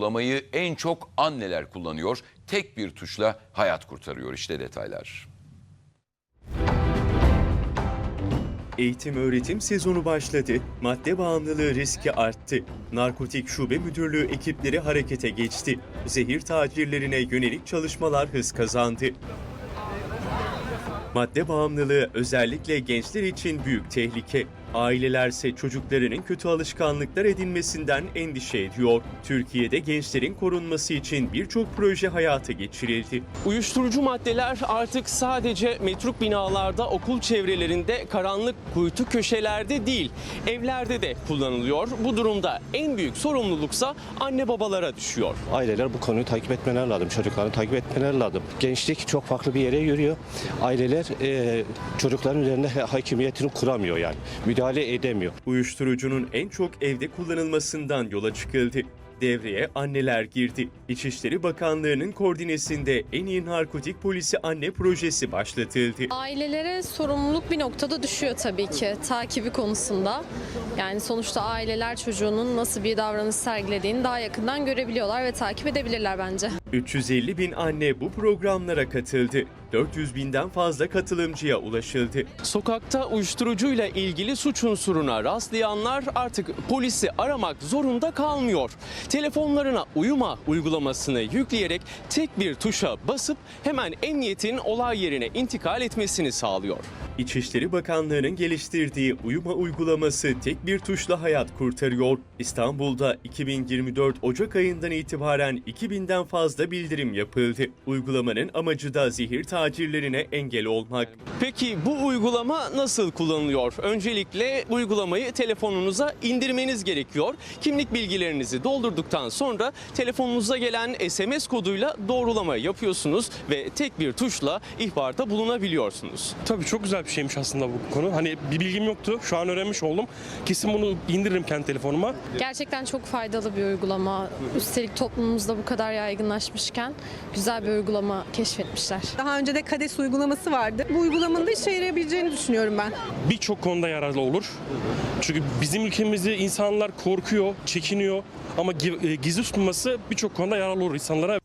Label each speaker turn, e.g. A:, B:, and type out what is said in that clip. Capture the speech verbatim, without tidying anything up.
A: uygulamayı en çok anneler kullanıyor. Tek bir tuşla hayat kurtarıyor. İşte detaylar.
B: Eğitim öğretim sezonu başladı, madde bağımlılığı riski arttı. Narkotik Şube Müdürlüğü ekipleri harekete geçti. Zehir tacirlerine yönelik çalışmalar hız kazandı. Madde bağımlılığı özellikle gençler için büyük tehlike. Ailelerse çocuklarının kötü alışkanlıklar edinmesinden endişe ediyor. Türkiye'de gençlerin korunması için birçok proje hayata geçirildi.
C: Uyuşturucu maddeler artık sadece metruk binalarda, okul çevrelerinde, karanlık kuytu köşelerde değil, evlerde de kullanılıyor. Bu durumda en büyük sorumluluksa anne babalara düşüyor.
D: Aileler bu konuyu takip etmeleri lazım, çocuklarını takip etmeleri lazım. Gençlik çok farklı bir yere yürüyor. Aileler e, çocukların üzerinde hakimiyetini kuramıyor yani. Müdahale edemiyor.
B: Uyuşturucunun en çok evde kullanılmasından yola çıkıldı. Devreye anneler girdi. İçişleri Bakanlığı'nın koordinesinde En İyi Narkotik Polisi Anne projesi başlatıldı.
E: Ailelere sorumluluk bir noktada düşüyor tabii ki takibi konusunda. Yani sonuçta aileler çocuğunun nasıl bir davranış sergilediğini daha yakından görebiliyorlar ve takip edebilirler bence.
B: üç yüz elli bin anne bu programlara katıldı. dört yüz binden fazla katılımcıya ulaşıldı.
C: Sokakta uyuşturucuyla ilgili suç unsuruna rastlayanlar artık polisi aramak zorunda kalmıyor. Telefonlarına uyuma uygulamasını yükleyerek tek bir tuşa basıp hemen emniyetin olay yerine intikal etmesini sağlıyor.
B: İçişleri Bakanlığı'nın geliştirdiği uyuma uygulaması tek bir tuşla hayat kurtarıyor. İstanbul'da iki bin yirmi dört Ocak ayından itibaren iki binden fazla bildirim yapıldı. Uygulamanın amacı da zehir tacirlerine engel olmak.
C: Peki bu uygulama nasıl kullanılıyor? Öncelikle uygulamayı telefonunuza indirmeniz gerekiyor. Kimlik bilgilerinizi doldurduktan sonra telefonunuza gelen S M S koduyla doğrulama yapıyorsunuz ve tek bir tuşla ihbarda bulunabiliyorsunuz.
F: Tabii çok güzel bir şeymiş aslında bu konu. Hani bir bilgim yoktu. Şu an öğrenmiş oldum. Kesin bunu indiririm kendi telefonuma.
E: Gerçekten çok faydalı bir uygulama. Üstelik toplumumuzda bu kadar yaygınlaşmışken güzel bir uygulama keşfetmişler.
G: Daha önce de KADES uygulaması vardı. Bu uygulamanın da işe yarayabileceğini düşünüyorum ben.
F: Birçok konuda yararlı olur. Çünkü bizim ülkemizde insanlar korkuyor, çekiniyor. Ama gizli tutulması birçok konuda yararlı olur insanlara.